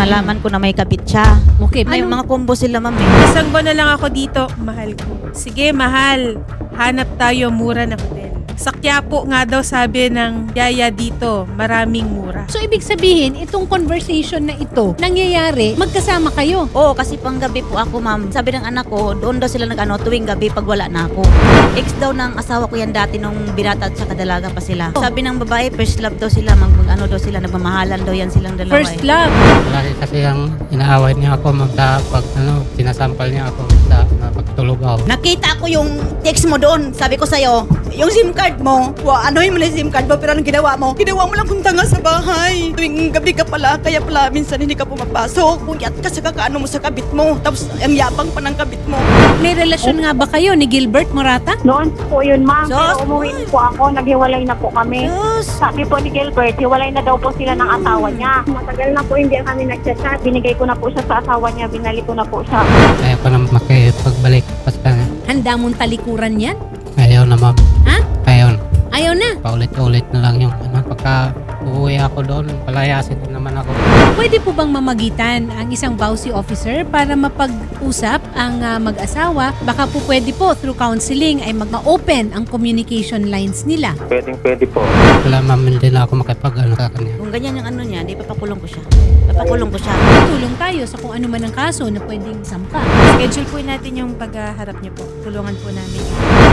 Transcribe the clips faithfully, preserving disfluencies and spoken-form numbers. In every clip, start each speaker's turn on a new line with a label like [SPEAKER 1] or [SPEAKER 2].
[SPEAKER 1] nalaman ko na may kabit siya.
[SPEAKER 2] Okay,
[SPEAKER 1] May
[SPEAKER 2] paano-
[SPEAKER 1] mga combo sila, ma'am. eh.
[SPEAKER 3] Isang buwan na lang ako dito, mahal ko. Sige, mahal. Hanap tayo mura na hotel. Sa Quiapo nga daw sabi ng yaya dito, maraming mura.
[SPEAKER 2] So, ibig sabihin, itong conversation na ito, nangyayari, magkasama kayo.
[SPEAKER 1] Oo, kasi panggabi po ako, ma'am. Sabi ng anak ko, doon daw sila nag-ano, tuwing gabi pag wala na ako. Ex daw ng asawa ko yan dati nung binata at saka dalaga pa sila. Sabi ng babae, first love daw sila, mag, mag ano daw sila, nagmamahalan daw yan silang dalawa.
[SPEAKER 2] First
[SPEAKER 1] eh.
[SPEAKER 2] love.
[SPEAKER 4] Lagi kasi ang inaaway niya ako magda pag ano, sinasampal niya ako sa na pagtulog ako.
[SPEAKER 1] Nakita ko yung text mo doon. Sabi ko sa'yo, yung SIM card mo, wa, ano yung SIM card mo, pero anong ginawa mo? Ginawa mo lang kung tanga sa bahay. Tuwing gabi ka pala, kaya pala minsan hindi ka pumapasok. Buyat ka sa kakaano mo sa kabit mo. Tapos ang yabang pa ng kabit mo.
[SPEAKER 2] May relasyon nga ba kayo ni Gilbert Morata?
[SPEAKER 5] Noon po yun, ma'am.
[SPEAKER 1] Sus,
[SPEAKER 5] Pero umuwi
[SPEAKER 1] boy.
[SPEAKER 5] po ako, naghiwalay na po kami.
[SPEAKER 1] Diyos!
[SPEAKER 5] Sabi po ni Gilbert, hiwalay na daw po sila ng asawa niya. Matagal na po hindi kami nagchat-chat. Binigay ko na po siya sa asawa niya, binalik ko na po siya.
[SPEAKER 4] Kaya ko na makipagbalik pas kanya.
[SPEAKER 2] Handa mong talikuran yan?
[SPEAKER 4] Ayaw na ma'am.
[SPEAKER 2] Ha?
[SPEAKER 4] Ayaw.
[SPEAKER 2] Ayaw na.
[SPEAKER 4] Paulit-ulit na lang yung ano, pagka uuwi ako doon, palayasin din naman ako.
[SPEAKER 2] Pwede po bang mamagitan ang isang bousy officer para mapag-usap ang ah, mag-asawa? Baka po pwede po through counseling ay mag-open ang communication lines nila.
[SPEAKER 6] Pwedeng pwede po.
[SPEAKER 4] Wala ma'am, hindi na ako makipag ano sa kanya.
[SPEAKER 1] Kung ganyan yung ano niya, di papakulong ko siya. Papakulong ko siya.
[SPEAKER 2] Tulong tayo sa kung ano man ang kaso na pwedeng sampa.
[SPEAKER 3] Schedule po natin yung pagharap niyo po. Tulungan po namin.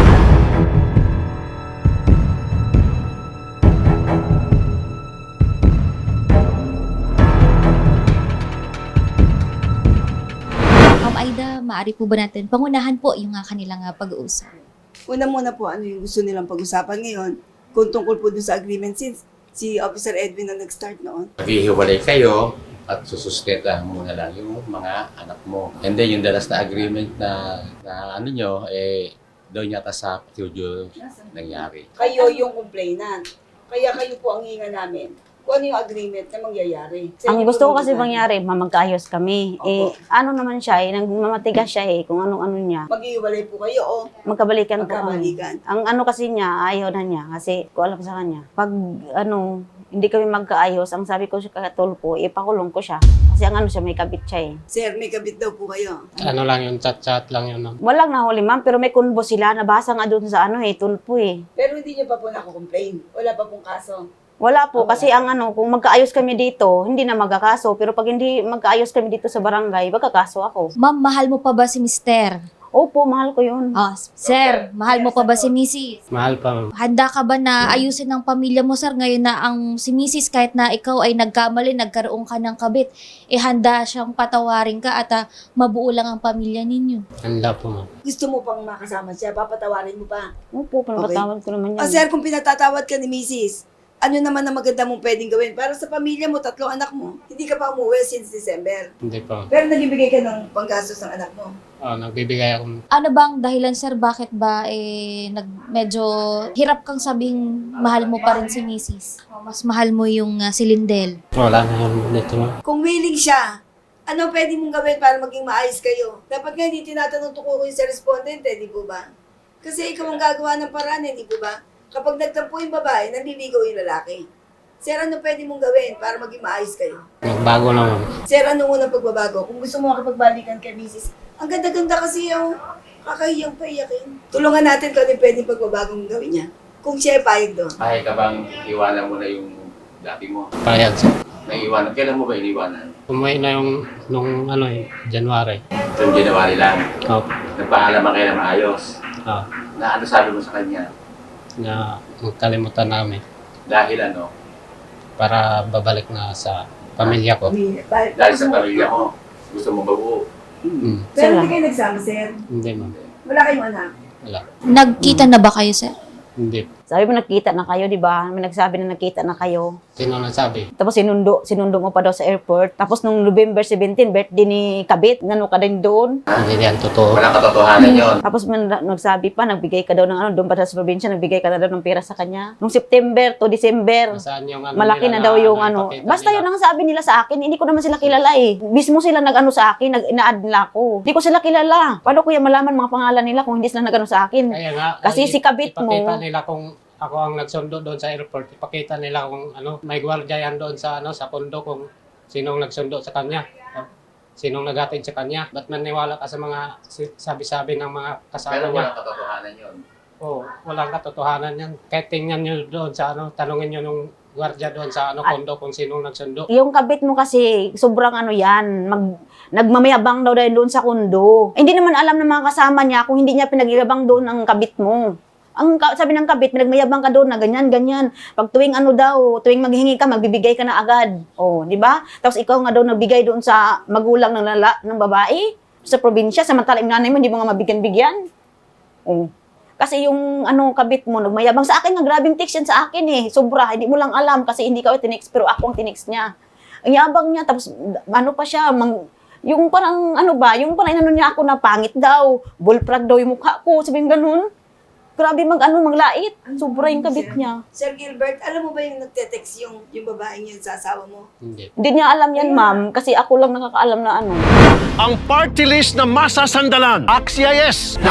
[SPEAKER 7] Ma'am Aida, maaari po ba natin pangunahan po yung uh, kanilang uh, pag-uusap?
[SPEAKER 8] Una muna po, ano yung gusto nilang pag-usapan ngayon kung tungkol po dun sa agreement since si Officer Edwin na nag-start noon.
[SPEAKER 9] Maghihiwalay kayo at susustentahan mo na lang yung mga anak mo. And then yung dalas na agreement na, na ano nyo, eh, doon yata sa studio nangyari.
[SPEAKER 8] Kayo yung complainant. Kaya kayo po ang hinga namin kung ano yung agreement na mangyayari. Sa
[SPEAKER 10] Ang
[SPEAKER 8] inyo
[SPEAKER 10] gusto ko
[SPEAKER 8] po
[SPEAKER 10] kasi
[SPEAKER 8] namin.
[SPEAKER 10] mangyari, mamagkaayos kami. Eh,
[SPEAKER 8] Opo.
[SPEAKER 10] ano naman siya eh, nagmamatigas siya eh, kung anong-ano niya.
[SPEAKER 8] Maghihiwalay po kayo o
[SPEAKER 10] Magkabalikan po kami.
[SPEAKER 8] magkabalikan.
[SPEAKER 10] Ang ano kasi niya, ayaw na niya. Kasi, ko alam sa kanya. Pag, ano, hindi kami magkaayos, ang sabi ko sa katulpo, ipakulong ko siya. Kasi ang ano siya, may kabit siya eh.
[SPEAKER 8] Sir, may kabit daw po kayo.
[SPEAKER 4] Ano lang yun, chat-chat lang yun. ma'am.
[SPEAKER 10] Walang nahuli ma'am, pero may kunbo sila. Nabasa nga doon sa ano eh, tulpo eh.
[SPEAKER 8] Pero hindi niyo pa po nako-complain. Wala pa pong kaso.
[SPEAKER 10] Wala po,
[SPEAKER 8] Ah,
[SPEAKER 10] kasi
[SPEAKER 8] wala.
[SPEAKER 10] ang ano, kung magkaayos kami dito, hindi na magkakaso. Pero pag hindi magkaayos kami dito sa barangay, magkakaso ako.
[SPEAKER 7] Ma'am, mahal mo pa ba si mister?
[SPEAKER 10] Opo, mahal ko yun.
[SPEAKER 7] Ah, sir, mahal mo pa ba si missus?
[SPEAKER 4] Mahal pa ma'am.
[SPEAKER 7] Handa ka ba na ayusin ng pamilya mo, sir, ngayon na ang si missus kahit na ikaw ay nagkamali, nagkaroon ka ng kabit, eh handa siyang patawarin ka at ah, mabuo lang ang pamilya ninyo?
[SPEAKER 4] Handa po ma'am.
[SPEAKER 8] Gusto mo pang makasama siya, papatawarin mo pa.
[SPEAKER 10] Opo, pinapatawad ko naman yan.
[SPEAKER 8] O sir, kung pinatatawad ka ni Missus, ano naman ang maganda mong pwedeng gawin para sa pamilya mo, tatlong anak mo? Hindi ka pa umuwi since December.
[SPEAKER 4] Hindi pa.
[SPEAKER 8] Pero nagbibigay ka ng panggastos ng anak mo.
[SPEAKER 4] Oh, nagbibigay ako.
[SPEAKER 7] Ano bang dahilan, sir, bakit ba eh nag medyo hirap kang sabing mahal mo pa rin si missus? O, mas mahal mo yung ah, si Lindel?
[SPEAKER 4] Wala na yun dito ma'am.
[SPEAKER 8] Kung willing siya, ano pwede mong gawin para maging maayos kayo? Dapat nga hindi tinatanong tukuko yung sa respondent, eh, di po ba? Kasi ikaw ang gagawa ng paraan, eh, di po ba? Kapag nagtampo yung babae, nanliligaw yung lalaki. Sir, ano pwede mong gawin para maging maayos kayo?
[SPEAKER 4] Nagbago na ma'am.
[SPEAKER 8] Sir, ano unang pagbabago? Kung gusto mo makipagbalikan kay Missus, ang ganda-ganda kasi yung kakahiyang paiyakin. Tulungan natin kung ano yung pwedeng pagbabagong gawin niya. Kung siya ay payag doon.
[SPEAKER 9] Pahig ka bang iwanan mo na yung dati mo?
[SPEAKER 4] Payag siya.
[SPEAKER 9] Naiiwanan. Kailan mo ba iniwanan?
[SPEAKER 4] Umuwi na yung nung ano eh, January.
[SPEAKER 9] Noong January lang.
[SPEAKER 4] Oh,
[SPEAKER 9] Nagpaalam ka na maayos.
[SPEAKER 4] oh,
[SPEAKER 9] Na ano sabi mo sa kanya?
[SPEAKER 4] na magkalimutan namin
[SPEAKER 9] Dahil ano?
[SPEAKER 4] para babalik na sa pamilya ko.
[SPEAKER 9] Dahil sa pamilya mo. Gusto mo babuo.
[SPEAKER 4] Mm.
[SPEAKER 8] Pero hindi kayo nagsama, sir.
[SPEAKER 4] Hindi ma'am.
[SPEAKER 8] Wala kayong anak.
[SPEAKER 4] Wala.
[SPEAKER 7] Nagkita na ba kayo, sir?
[SPEAKER 4] Hindi.
[SPEAKER 10] Sabi mo, nakita na kayo, di ba? May nagsabi na nakita na kayo.
[SPEAKER 4] Sino nagsabi?
[SPEAKER 10] Tapos sinundo, sinundo mo pa daw sa airport. Tapos nung November seventeen, birthday ni Kabit, nano ka din doon.
[SPEAKER 4] Hindi yan totoo.
[SPEAKER 9] Walang katotohanan yun.
[SPEAKER 10] Tapos may na- nagsabi pa, nagbigay ka daw ng ano, doon pa sa probinsya, nagbigay ka na daw ng pera sa kanya. Nung September to December,
[SPEAKER 4] Saan yung ano
[SPEAKER 10] malaki na
[SPEAKER 4] nila
[SPEAKER 10] daw yung ano.
[SPEAKER 4] ipakita
[SPEAKER 10] Basta
[SPEAKER 4] nila?
[SPEAKER 10] yun ang sabi nila sa akin, hindi ko naman sila kilala eh. Mismo sila nag-ano sa akin, nag-ina-add nila ako. Hindi ko sila kilala. Paano ko yung malaman mga pangalan nila kung hindi sila nag-ano sa akin?
[SPEAKER 4] Kaya nga,
[SPEAKER 10] Kasi
[SPEAKER 4] ay,
[SPEAKER 10] si Kabit mo-
[SPEAKER 4] ipakita nila kung ako ang nagsundo doon sa airport. Ipakita nila kung ano, may gwardiya yan doon sa ano sa kondo kung sinong nagsundo sa kanya? Sinong naghatid sa kanya? Ba't maniwala ka sa mga si- sabi-sabi ng mga kasama
[SPEAKER 9] Pero
[SPEAKER 4] niya?
[SPEAKER 9] walang katotohanan yun.
[SPEAKER 4] Oo, walang katotohanan yan. Kahit tingnan nyo doon sa ano, tanungin nyo nung gwardiya doon sa ano, kondo kung sinong nagsundo.
[SPEAKER 10] Yung kabit mo kasi, sobrang ano yan, mag, nagmamayabang daw dahil doon sa kundo. Hindi naman alam ng mga kasama niya kung hindi niya pinagyabang doon ang kabit mo. Ang ka- sabi ng kabit, nagmayabang ka doon na ganyan, ganyan. Pag tuwing ano daw, tuwing maghingi ka, magbibigay ka na agad. Oh, di ba? Tapos ikaw nga daw nagbigay doon sa magulang ng lala, ng babae, sa probinsya, samantala yung nanay mo, hindi mo nga mabigyan-bigyan. Oh. Kasi yung ano kabit mo, nagmayabang sa akin, nga grabing text yan sa akin eh. Sobra, hindi mo lang alam kasi hindi ka tinext, pero ako ang tinext niya. Ang yabang niya, tapos ano pa siya, mang, yung parang ano ba, yung parang inano niya ako na pangit daw, bullfrog daw yung mukha ko, sabihin ganun. Grabe mag ano, maglait. Sobra yung kabit niya.
[SPEAKER 8] Sir Gilbert, alam mo ba yung nagte-text yung, yung babaeng yun sa asawa mo?
[SPEAKER 4] Hindi.
[SPEAKER 10] Hindi niya alam yan, ma'am, kasi ako lang nakakaalam na ano.
[SPEAKER 6] Ang party list na masasandalan. Axies!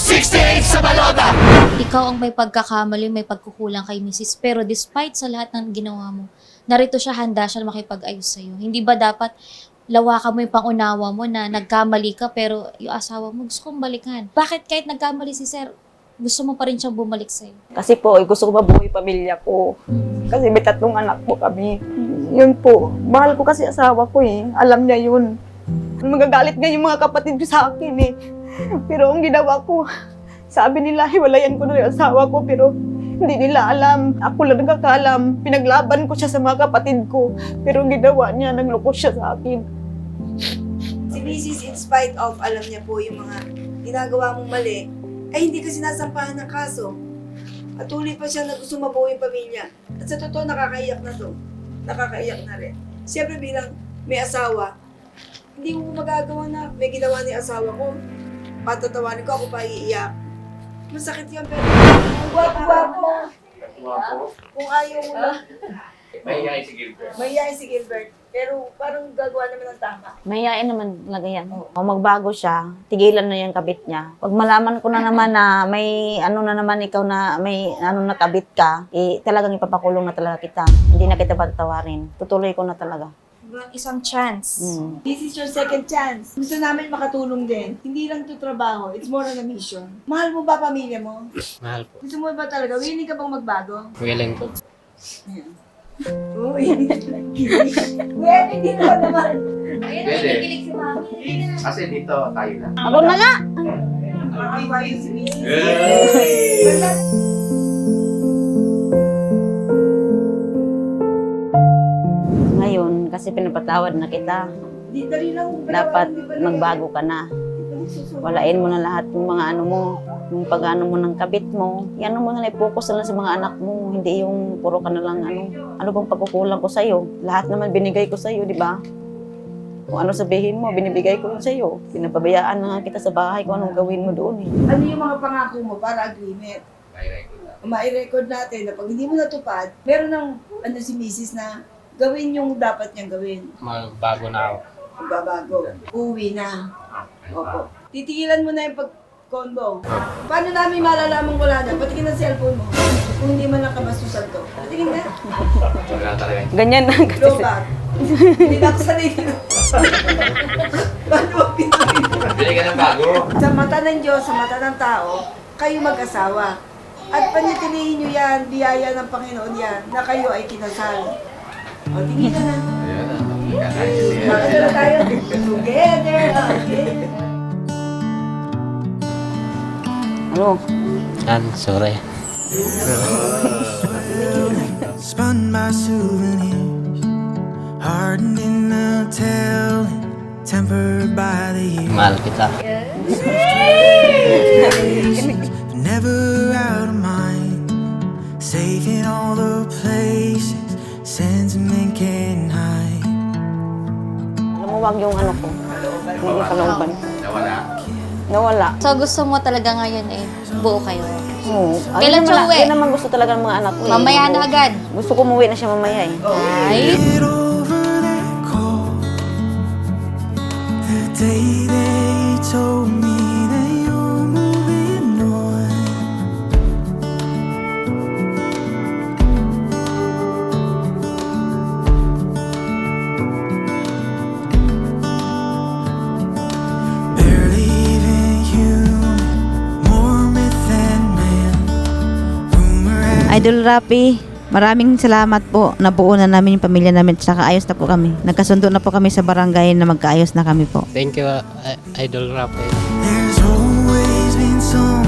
[SPEAKER 7] Ikaw ang may pagkakamali, may pagkukulang kay Missus Pero despite sa lahat ng ginawa mo, narito siya, handa siya makipag-ayos sa'yo. Hindi ba dapat lawakan mo yung pangunawa mo na nagkamali ka pero yung asawa mo gusto kong balikan? Bakit kahit nagkamali si Sir, gusto mo pa rin siyang bumalik sa'yo?
[SPEAKER 10] Kasi po, eh, gusto ko mabuhay pamilya ko. Kasi may tatlong anak po kami. Yun po. Mahal ko kasi asawa ko eh. Alam niya yun. Magagalit nga yung mga kapatid ko sa akin eh. Pero ang ginawa ko, sabi nila, hiwalayan ko na yung asawa ko. Pero hindi nila alam. Ako lang nagkakaalam. Pinaglaban ko siya sa mga kapatid ko. Pero ang ginawa niya, nagloko siya sa akin.
[SPEAKER 8] Si Missus in spite of, alam niya po yung mga ginagawa mong mali, ay hindi ka sinasampahan ng kaso. At tuloy pa siya na gusto mabuo yung pamilya. At sa totoo, nakakaiyak na to. Nakakaiyak na rin. Siyempre bilang may asawa, hindi mo magagawa na may ginawa ni asawa ko. Patatawanin ko, ako pa iiyak. Masakit yun, pero kung gwapo-gwapo, kung ayaw mo lang,
[SPEAKER 9] Mahihayin si Gilbert.
[SPEAKER 8] mahihayin si Gilbert. Pero parang gagawa naman ng tama.
[SPEAKER 10] Mahihain naman talaga yan. Kung magbago siya, tigilan na yung kabit niya. Pag malaman ko na naman na may ano na naman ikaw na may ano na kabit ka, eh talagang ipapakulong na talaga kita. Hindi na kita pagtawarin. Tutuloy ko na talaga.
[SPEAKER 7] Isang chance.
[SPEAKER 10] Mm.
[SPEAKER 8] This is your second chance. Gusto namin makatulong din. Hindi lang to trabaho. It's more on a mission. Mahal mo ba pamilya mo?
[SPEAKER 4] Mahal po.
[SPEAKER 8] Gusto mo ba talaga? Willing ka bang magbago?
[SPEAKER 4] Willing po.
[SPEAKER 8] Uy, Pwede dito naman.
[SPEAKER 7] Ayun,
[SPEAKER 9] Pwede.
[SPEAKER 7] nakikilig si Mami.
[SPEAKER 9] Kasi dito tayo na.
[SPEAKER 10] Ako na nga!
[SPEAKER 8] Ay, si Missus
[SPEAKER 10] Ngayon, kasi pinapatawad na kita.
[SPEAKER 8] Di dali lang.
[SPEAKER 10] Dapat magbago ka na. Walain mo na lahat ng mga ano mo, yung pag-ano mo ng kabit mo. Yan mo na, i-focus na lang sa mga anak mo. Hindi yung puro ka na lang ano. Ano bang pagkukulang ko sa'yo? Lahat naman binigay ko sa'yo, di ba? Kung ano sabihin mo, binibigay ko yun sa'yo. Pinapabayaan na nga kita sa bahay kung anong gawin mo doon eh.
[SPEAKER 8] Ano yung mga pangako mo para agreement?
[SPEAKER 9] May-record na.
[SPEAKER 8] Ma-record natin na pag hindi mo natupad, meron ng ano si Missus na gawin yung dapat niyang gawin.
[SPEAKER 4] Magbago na ako.
[SPEAKER 8] Babago. Uwi na. Opo. Titigilan mo na yung pag-combo. Paano namin malalaman wala na? Patingin ang cellphone mo. Kung hindi man nakabastusan to. Patingin na.
[SPEAKER 9] Wala talaga.
[SPEAKER 10] Ganyan lang kasi.
[SPEAKER 8] Lobat. Hindi na ako sanay dito. Paano mo pinuhin?
[SPEAKER 9] Bili ka ng bago.
[SPEAKER 8] Sa mata ng Diyos, sa mata ng tao, kayo mag-asawa. At panitilihin nyo yan, biyaya ng Panginoon yan, na kayo ay kinasal. O, tingin na na.
[SPEAKER 9] Ayan na. Kakain siya.
[SPEAKER 8] Ano na tayo? Together again.
[SPEAKER 10] Ano?
[SPEAKER 4] Yan, sorry.
[SPEAKER 11] Spun by souvenirs, hardened in the telling, tempered by the years.
[SPEAKER 4] Mahal kita.
[SPEAKER 11] Never out of mind, safe in all the places sentiment can hide.
[SPEAKER 10] Lumuwag yung ano ko. Hindi kalooban.
[SPEAKER 9] Nawala.
[SPEAKER 10] Nawala.
[SPEAKER 7] So gusto mo talaga ngayon eh, buo kayo.
[SPEAKER 10] Oo.
[SPEAKER 7] Kailan
[SPEAKER 10] Ayun
[SPEAKER 7] siya
[SPEAKER 10] naman-
[SPEAKER 7] uwi?
[SPEAKER 10] Yun naman gusto talaga ng mga anak ko eh.
[SPEAKER 7] Mamaya na agad.
[SPEAKER 10] Gusto ko umuwi na siya mamaya eh.
[SPEAKER 7] Ay,
[SPEAKER 11] Get over that call, the day they told me that you're moving on.
[SPEAKER 10] Idol Rapi, maraming salamat po. Nabuo na namin yung pamilya namin at saka ayos na po kami. Nagkasundo na po kami sa barangay na magkaayos na kami po.
[SPEAKER 4] Thank you, uh, Idol Rafael.
[SPEAKER 11] There's always been someone